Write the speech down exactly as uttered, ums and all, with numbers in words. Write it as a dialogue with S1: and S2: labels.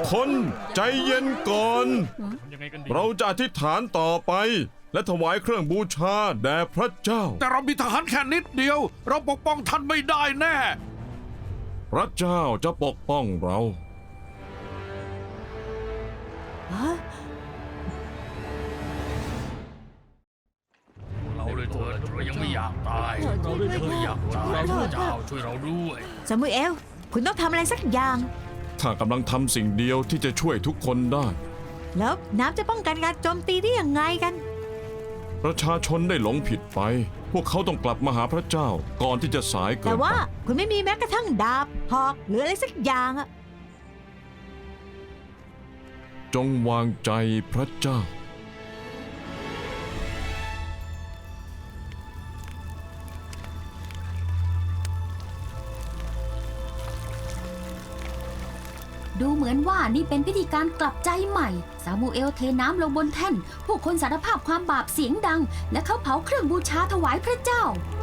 S1: คนใจเย็นก่อน เราจะอธิษฐานต่อไปและถวายเครื่องบูชาแด่พระเจ้า
S2: แต่เรามีทหารแค่นิดเดียว เราปกป้องท่านไม่ได้แน่
S1: พระเจ้าจะปกป้องเรา
S3: เราเลยเถิดเรายังไม่อยากตายเราเลยเถิดอยากตายพระเจ้าช่วยเราด้วย
S4: ซามูเอลคุณต้องทำอะไรสักอย่าง
S1: ข้ากำลังทำสิ่งเดียวที่จะช่วยทุกคนได้
S4: แล้วน้ำจะป้องกันการโจมตีได้ยังไงกัน
S1: ประชาชนได้หลงผิดไป พวกเขาต้องกลับมาหาพระเจ้าก่อนที่จะสายเกิน
S4: แต่
S1: ไป
S4: ว่าคุณไม่มีแม้กระทั่งดาบหอกหรืออะไรสักอย่างอะ
S1: จงวางใจพระเจ้า
S5: ดูเหมือนว่านี่เป็นพิธีการกลับใจใหม่ ซามูเอลเทน้ำลงบนแท่น ผู้คนสารภาพความบาปเสียงดัง และเขาเผาเครื่องบูชาถวายพระเจ้า